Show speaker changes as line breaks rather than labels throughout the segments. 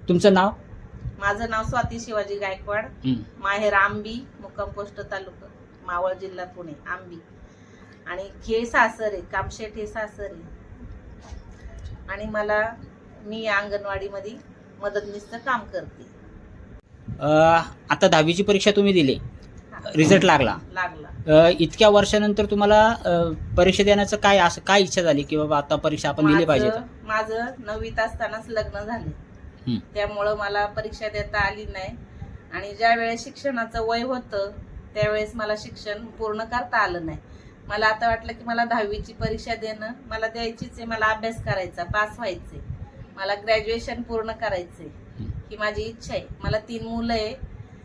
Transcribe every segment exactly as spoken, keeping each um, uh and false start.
तुमचं नाव?
माझं नाव स्वाती शिवाजी गायकवाड,
हं.
माहेर आंबी, मुक्काम पोस्ट तालुका मावळ, जिल्हा पुणे. आंबी आणि हे सासर आहे, कामशेट हे सासर आहे. आणि मला मी अंगणवाडीमध्ये मदतनीसचं काम करते.
अ, आता दहावीची परीक्षा तुम्ही दिली, रिझल्ट लागला.
लागला
अ, इतक्या वर्षानंतर तुम्हाला अ, परीक्षा देण्याचं काय असं काय इच्छा झाली की बाबा आता परीक्षा आपण दिली पाहिजे?
माझं माझं नववीत असतानाच लग्न झाले,
हं.
त्यामुळं मला परीक्षा देता आली नाही. आणि ज्या वेळेस शिक्षणाचं वय होतं त्यावेळेस मला शिक्षण पूर्ण करता आलं नाही. मला आता वाटलं की मला दहावीची परीक्षा देणं मला द्यायचीच आहे, मला अभ्यास करायचा, पास व्हायचे, मला ग्रॅज्युएशन पूर्ण करायचे ही माझी इच्छा आहे. मला तीन मुलं आहे,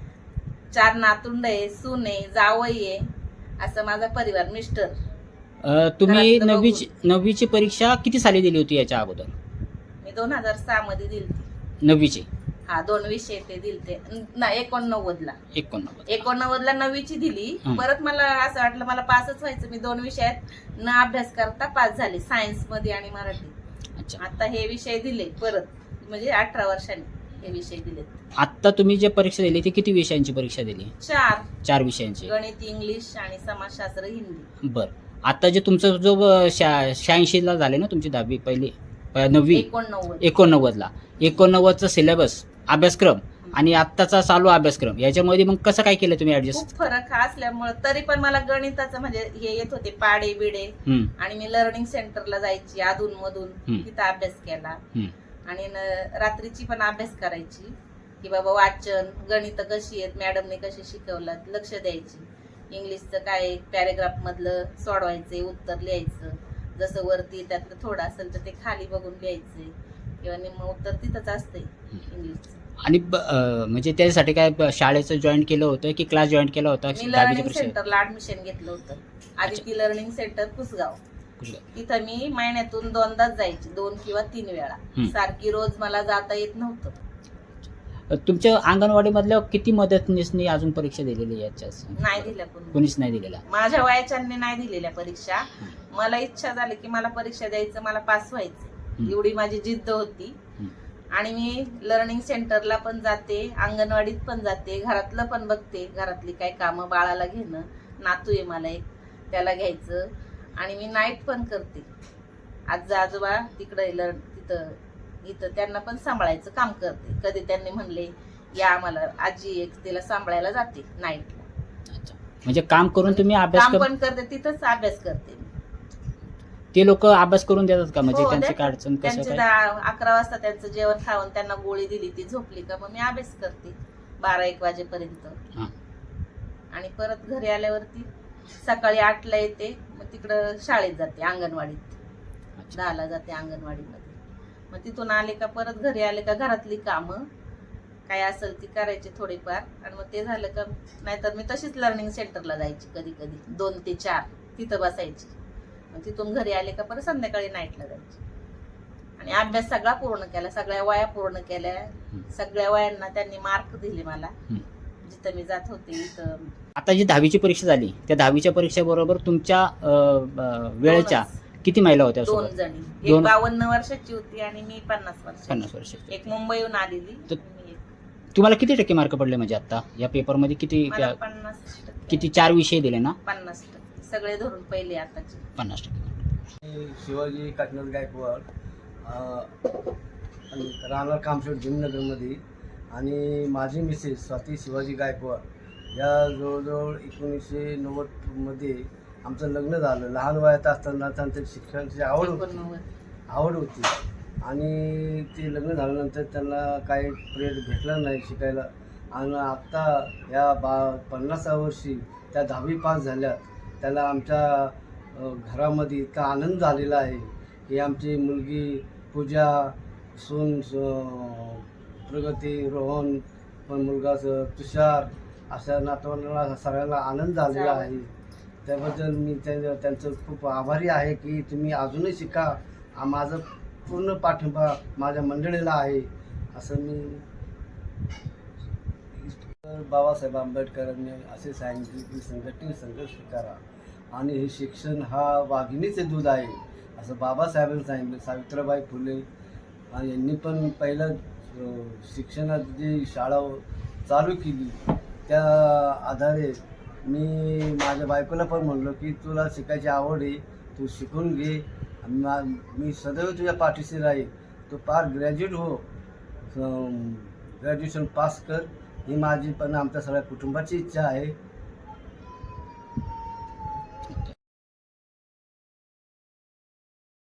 चार नातुंड आहे, सून आहे, जावई आहे, असं माझा परिवार. मिस्टर.
अ, तुम्ही
घरातलं
नववीची नववीची परीक्षा किती साली दिली होती याच्या अगोदर?
मी दोन हजार सहा मध्ये दिलती.
नववीची
हा, दोन विषय ते दिलते ना, एकोणनव्वद ला
एकोणनव्वद
एकोणनव्वद ला नववीची दिली.
हं.
परत मला असं वाटलं मला पासच व्हायचं, मी दोन विषयात न अभ्यास करता पास झाले, सायन्स मध्ये आणि मराठी.
अच्छा.
आता हे विषय दिले परत, म्हणजे अठरा वर्षांनी हे विषय दिले.
आत्ता तुम्ही जे परीक्षा दिली ती किती विषयांची परीक्षा दिली?
चार.
चार विषयांची.
गणित, इंग्लिश आणि समाजशास्त्र, हिंदी.
बरं. आता जे तुमचं जो शा शहाऐंशीला झाले ना तुमची दहावी पहिली अ, नववी
एकोणनव्वद
एकोणनव्वदला एकोणनव्वदचा सिलेबस अभ्यासक्रम आणि आत्ताचा चालू अभ्यासक्रम याच्यामध्ये मग कसं काय केलं तुम्ही ऍडजस्ट?
खूप फरक असल्यामुळे तरी पण मला गणिताचं म्हणजे हे येत होते पाडे बिडे. आणि मी लर्निंग सेंटरला जायची अधून मधून,
हं.
तिथं अभ्यास केला.
हं.
आणि न- रात्रीची पण अभ्यास करायची की बाबा वाचन, गणित कशी आहेत, मॅडमने कशी शिकवलं, लक्ष द्यायची. इंग्लिशचं काय पॅरेग्राफ मधलं सोडवायचे, उत्तर लिहायचं, जसं वरती त्यातलं थोडं असेल तर ते खाली बघून लिहायचे, किंवा निम्म उत्तर तिथंच असते इंग्लिशचं.
आणि ब- अ, म्हणजे त्यासाठी काय ब- शाळेचं जॉईन केलं होतं की क्लास जॉईन केला होता
मी
दहावीच्या
लर्निंग
परीक्षेत?
सेंटरला ऍडमिशन घेतलं होतं, आदिती लर्निंग सेंटर कुसगाव. तिथं मी महिन्यातून दोनदाच जायची, दोन किंवा तीन वेळा.
हं.
सारखी रोज मला जाता येत नव्हतं.
अ, तुमच्या अंगणवाडीमधल्या किती मदतनीसनी अजून परीक्षा दिलेली आहे याच्या?
नाही दिल्या कोणी,
कोणीच नाही दिलेला.
माझ्या वयाच्यांनी नाही दिलेल्या परीक्षा. मला इच्छा झाली की मला परीक्षा द्यायचं, मला पास व्हायचं, एवढी माझी जिद्द होती.
हं.
आणि मी लर्निंग सेंटरला पण जाते, अंगणवाडीत पण जाते, घरातलं पण बघते, घरातली काय कामं, बाळाला घेणं, नातू आहे मला एक, त्याला घ्यायचं. आणि मी नाईट पण करते. आजी आजोबा तिकडे लर तिथं इथं त्यांना पण सांभाळायचं काम करते. कधी त्यांनी म्हणले या आम्हाला, आजी एक तिला सांभाळायला जाते नाईटला.
अच्छा. म्हणजे काम करून तुम्ही अभ्यास
काम
कर-
पण करते, तिथंच अभ्यास करते.
ते लोक अभ्यास करून देतात का? म्हणजे
हो,
त्यांची
देतात.
काय अडचण कसं
त्यांचे
काय?
दहा अकरा वाजता त्यांचं जेवण खाऊन त्यांना गोळी दिली, ती झोपली का मग मी अभ्यास करते बारा एक वाजेपर्यंत.
हां.
आणि परत घरी आल्यावरती सकाळी आठला येते, मग तिकडं शाळेत जाते, अंगणवाडीत
अच्छा.
दहाला जाते अंगणवाडीमध्ये. मग तिथून आले का परत घरी आले का घरातली कामं काय असेल ती करायची थोडीफार. आणि मग ते झालं का नाहीतर मी तशीच लर्निंग सेंटरला जायची, कधी कधी दोन ते चार तिथं बसायची. मग तिथून घरी आले का परत संध्याकाळी नाईटला जायची. आणि अभ्यास सगळा पूर्ण केला, सगळ्या वया पूर्ण केल्या. सगळ्या वयांना त्यांनी मार्क दिले मला,
हं.
जिथं मी जात होते इथं.
आता जी दहावीची परीक्षा झाली त्या दहावीच्या परीक्षेबरोबर तुमच्या अ, अ, वेळेच्या
दोनच.
किती महिला होत्या
दोन
सोबत?
जणी, एक
दोन-
बावन्न वर्षाची होती आणि मी पन्नास वर्षाची.
पन्नास वर्ष.
एक मुंबईहून आलेली.
तर-
मी एक.
तुम्हाला किती टक्के मार्क पडले म्हणजे आता या पेपरमध्ये? किती
मला पन्नास टक्के.
किती चार विषय दिले ना?
पन्नास टक्के सगळे धरून पहिले आताचे.
पन्नास टक्के.
मी शिवाजी काटनाथ गायकवाड, राहणार कामशेट भीमनगरमध्ये. आणि माझी मिसेस स्वाती शिवाजी गायकवाड या जवळजवळ एकोणीसशे नव्वदमध्ये आमचं लग्न झालं. लहान वयात असताना त्यांच्या शिक्षणाची आवड होती
एकोणनव्वद.
आवड होती आणि ते लग्न झाल्यानंतर त्यांना काही प्रेर भेटला नाही शिकायला. आणि आत्ता या बा पन्नासाव्या वर्षी त्या दहावी पास झाल्या. त्याला आमच्या अ, घरामध्ये इतका आनंद झालेला आहे की आमची मुलगी पूजा, सून प्रगती, रोहन, पण मुलगा तुषार, अशा नातवांना सगळ्यांना आनंद झालेला आहे. त्याबद्दल मी त्या त्यांचं खूप आभारी आहे की तुम्ही अजूनही शिका. आ- माझं पूर्ण पाठिंबा माझ्या मंडळीला आहे असं मी. बाबासाहेब आंबेडकरांनी असे सांगितले की संघटित संघर्ष करा आणि हे शिक्षण हा वाघिणीचे दूध आहे असं बाबासाहेबांनी सांगितलं. सावित्रीबाई फुले यांनी पण पहिलं अं, शिक्षणात जी शाळा चालू केली त्या आधारे मी माझ्या बायकोला पण म्हणलो की तुला शिकायची आवड आहे, तू शिकून घे, मा- मी सदैव तुझ्या पाठीशी राहील, तू पार ग्रॅज्युएट हो, ग्रॅज्युएशन पास कर, ही माझी पण आमच्या सगळ्या कुटुंबाची इच्छा आहे.